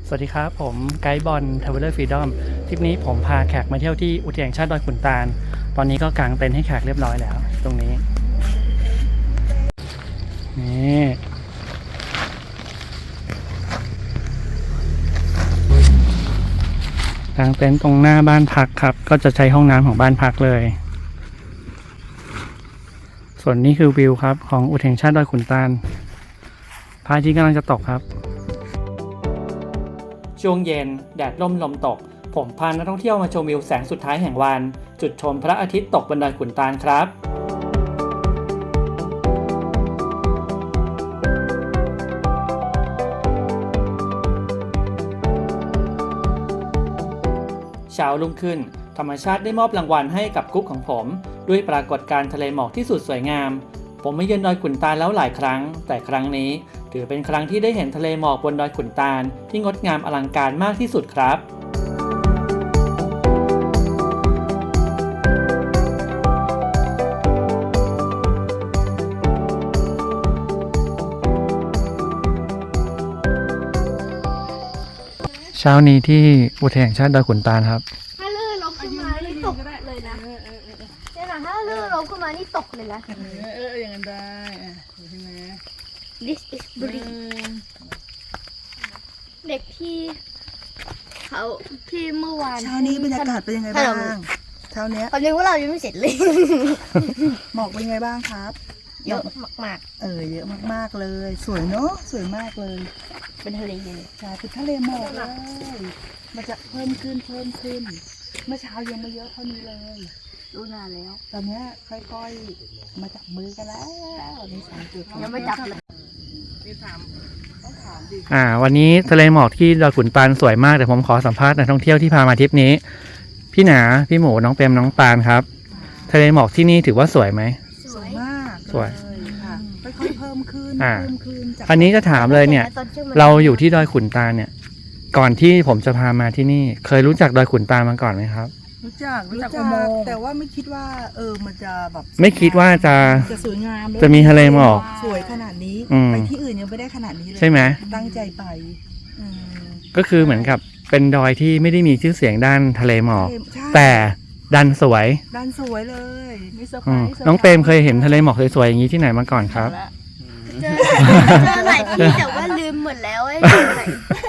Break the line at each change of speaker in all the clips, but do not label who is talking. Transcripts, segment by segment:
สวัสดีครับผมไกด์บอลทราเวลเลอร์ฟรีดอมทริปนี้ผมพาแขกมาเที่ยวที่อุทยานแห่งชาติดอยขุนตาลตอนนี้ก็กางเต็นท์ให้แขกเรียบร้อยแล้วตรงนี้นี่กางเต็นท์ตรงหน้าบ้านพักครับก็จะใช้ห้องน้ำของบ้านพักเลยส่วนนี้คือวิวครับของอุทยานแห่งชาติดอยขุนตาลพระอาทิตย์กำลังจะตกครับช่วงเย็นแดดร่มลมตกผมพานักท่องเที่ยวมาชมวิวแสงสุดท้ายแห่งวันจุดชมพระอาทิตย์ตกบนดอยขุนตาลครับเช้ารุ่งขึ้นธรรมชาติได้มอบรางวัลให้กับกรุ๊ปของผมด้วยปรากฏการณ์ทะเลหมอกที่สุดสวยงามผมมาเยือนดอยขุนตาลแล้วหลายครั้งแต่ครั้งนี้ถือเป็นครั้งที่ได้เห็นทะเลหมอกบนดอยขุนตาลที่งดงามอลังการมากที่สุดครับเช้านี้ที่อุทยานแห่งชาติดอยขุนตาลครับ
ถ้าลื่นล้มขึ้นมานี่ตกเลยนะเนี่ยนะถ้าลื่นล้มขึ้นมานี่ตกเลยนะ
อย่างนั้นได้ใช่ไหม
This is breeze เด็กที่เขาที่เมื่อวาน
เช้านี้บรรยากาศเป็นยังไงบ้างเช้าเนี้ย
ตอนนี้พวกเรายังไม่เสร็จเลย
หมอกเป็นยังไงบ้างครับ
เยอะมาก
เยอะมากๆเลยสวยเนาะสวยมากเลย
ๆเป็นทะเลเลย
ใช่เป็นทะเลหมอกเลยมันจะเพิ่มขึ้นเมื่อเช้ายังไม่เยอะเท่านี้เลย
รู้นานแล้ว
ตอนนี้ค่อยๆมาจับมือกันแล้วนี่สังเกต
ยังไม่จับเลย
นี่ต้องถามดิ
วันนี้ทะเลหมอกที่ดอยขุนตาลสวยมากแต่ผมขอสัมภาษณ์นักท่องเที่ยวที่พามาทริปนี้พี่หนาพี่หมูน้องเปรมน้องปานครับทะเลหมอกที่นี่ถือว่าสวยไหม
สวยมาก
สวย
ค่ะค่อยๆเพิ่มขึ้นจาก
อันนี้จะถามเลยเนี่ยเราอยู่ที่ดอยขุนตาลเนี่ยก่อนที่ผมจะพามาที่นี่เคยรู้จักดอยขุนตาลมาก่อนไหมครับ
รู้จักแต่ว่าไม่คิดว่ามันจะแบบ
ไม่คิดว่าจะ
สวยงาม
จะมีทะเลหมอก
สวยขนาดนี้ไปที่อื่นยังไม่ได้ขนาดนี้เลย
ใช่ไหม
ตั้งใจไป
ก็คือเหมือนกับเป็นดอยที่ไม่ได้มีชื่อเสียงด้านทะเลหมอกแต่ดันสวย
เลยมีเซอร์ไพรส์
น้องเปรมเคยเห็นทะเลหมอกสวยๆอย่างนี้ที่ไหนมาก่อนครับ
เจอหลายที่แต่ว่าลืมหมดแล้วไอ้ไหน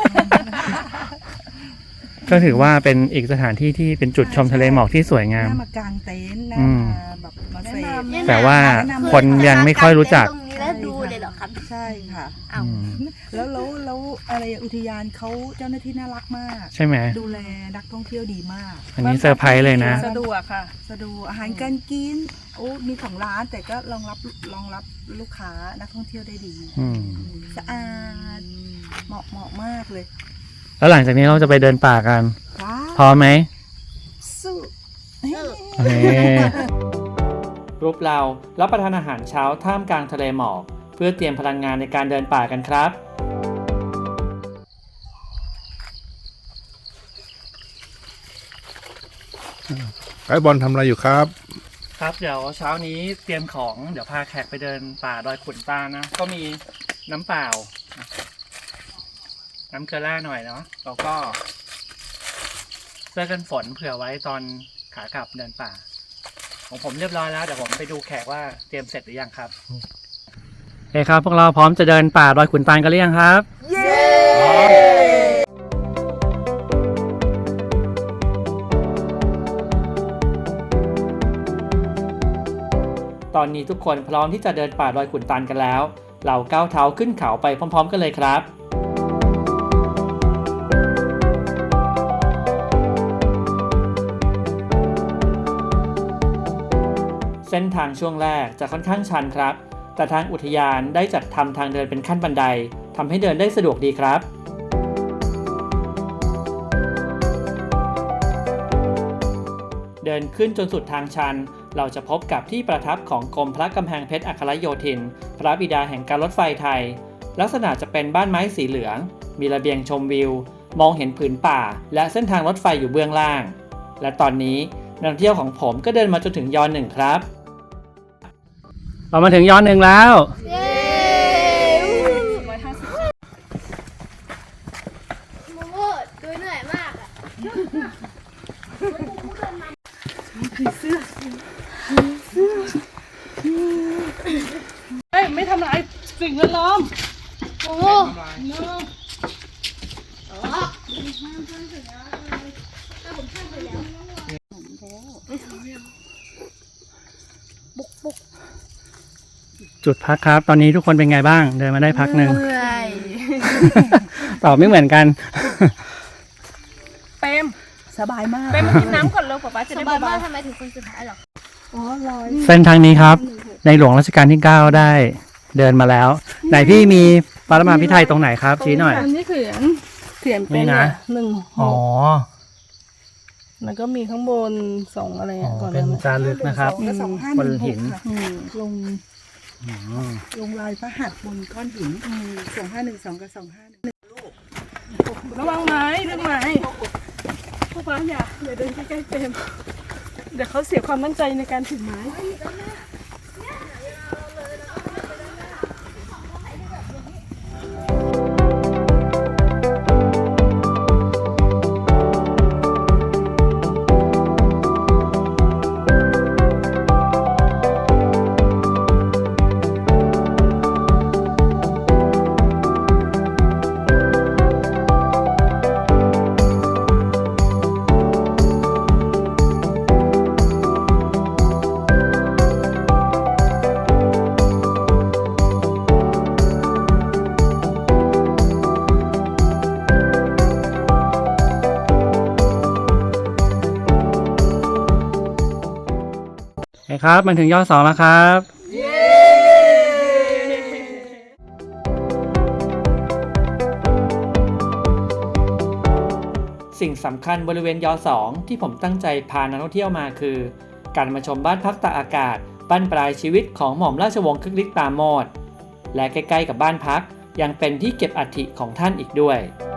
ก็ถือว่าเป็นอีกสถานที่ที่เป็นจุดชมทะเลหมอกที่สวยงาม
มากางเต็นท์แบบมาเสพ
แต่ว่าคนยังไม่ค่อยรู้จัก
ตรงนี้แล้วดูเลยเหรอครับ
ใช่ค่ะแล้วอะไรอุทยานเขาเจ้าหน้าที่น่ารักมาก
ใช่ไหม
ดูแลนักท่องเที่ยวดีมาก
อันนี้เซอร์ไพรส์เลยนะ
สะดวกค่ะสะดวกอาหารการกินมี2 ร้านแต่ก็รองรับลูกค้านักท่องเที่ยวได้ดีสะอาดเหมาะมากเลย
แล้วหลังจากนี้เราจะไปเดินป่ากันพร้อมไหม
สู้
รูปเรารับประทานอาหารเช้าท่ามกลางทะเลหมอกเพื่อเตรียมพลังงานในการเดินป่ากันครับ
ไกด์บอลทำอะไรอยู่ครับ
ครับเดี๋ยวเช้านี้เตรียมของเดี๋ยวพาแขกไปเดินป่าดอยขุนตาลนะก็มีน้ำเปล่าน้ำเกลือแร่หน่อยเนาะแล้วก็เสื้อกันฝนเผื่อไว้ตอนขากลับเดินป่าของผมเรียบร้อยแล้วเดี๋ยวผมไปดูแขกว่าเตรียมเสร็จหรือยังครับโอเคครับพวกเราพร้อมจะเดินป่าดอยขุนตาลกันหรือยังครับเย้ตอนนี้ทุกคนพร้อมที่จะเดินป่าดอยขุนตาลกันแล้วเราก้าวเท้าขึ้นเขาไปพร้อมๆกันเลยครับเส้นทางช่วงแรกจะค่อนข้างชันครับแต่ทางอุทยานได้จัดทำทางเดินเป็นขั้นบันไดทำให้เดินได้สะดวกดีครับเดินขึ้นจนสุดทางชันเราจะพบกับที่ประทับของกรมพระกำแพงเพชรอัครโยธินพระบิดาแห่งการรถไฟไทยลักษณะจะเป็นบ้านไม้สีเหลืองมีระเบียงชมวิวมองเห็นผืนป่าและเส้นทางรถไฟอยู่เบื้องล่างและตอนนี้นักท่องเที่ยวของผมก็เดินมาจนถึงยอ.1ครับเรามาถึงยอ.1แล้ว
150 โอ้บุก
จุดพักครับ ตอนนี้ทุกคนเป็นไงบ้าง เดินมาได้พักหนึ่ง
เมื่อย
ตอบไม่เหมือนกัน
เปมสบายมาก
ไปมากินน้ำก่อนเร็วป๊าป๊าจะ
ส
ได้
บาย
เบาม
ากทำไมถึงคนสุดท้ายหรอ
อ๋อลอย
เส้นทางนี้ครับ ในหลวงรัชกาลที่ 9 ได้เดินมาแล้ว ไหนพี่มีปรมาภิไธยตรงไหนครับ ชี้หน่อย
อันนี้เขียนเป็น
นี่นะ
1
อ๋อ
แล้วก็มีข้างบน2อะไร
อ๋อ
ก่อน
เป็น
นะ
จารึกนะครับ
ก็สองห้า
บ
ห
น
นึ่งห
หิ
ก
น
ค่ะ
อืม
ลง
อืม
ลงลายพระหัตถ์บนก้อนหิน2512กับ251
ระวังไม้เรื่องไม้ป๊าป๊าอย่าเดินใกล้ๆเต็มเดี๋ยวเขาเสียความมั่นใจในการถือไม้
โอเคครับมันถึงยอด 2 แล้วครับ สิ่งสำคัญบริเวณยอ 2 ที่ผมตั้งใจพานักท่องเที่ยวมาคือ การมาชมบ้านพักตากอากาศบ้านปลายชีวิตของหม่อมราชวงศ์คึกฤทธิ์ปราโมช และใกล้ๆกับบ้านพักยังเป็นที่เก็บอัฐิของท่านอีกด้วย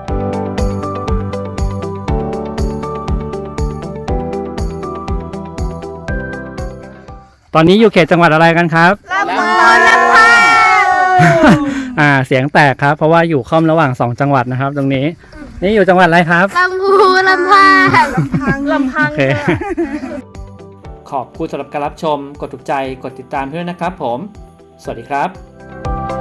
ตอนนี้อยู่เขตจังหวัดอะไรกันครับ
ลำพูนลำพา
เสียงแตกครับ เพราะว่าอยู่ค่อมระหว่าง 2 จังหวัดนะครับ ตรงนี้ นี่อยู่จังหวัดอะไรครับ
ลำพูนลำพา
ลำพัง
โอเค ขอบคุณสำหรับการรับชม กดถูกใจ กดติดตามเพื่อนนะครับผม สวัสดีครับ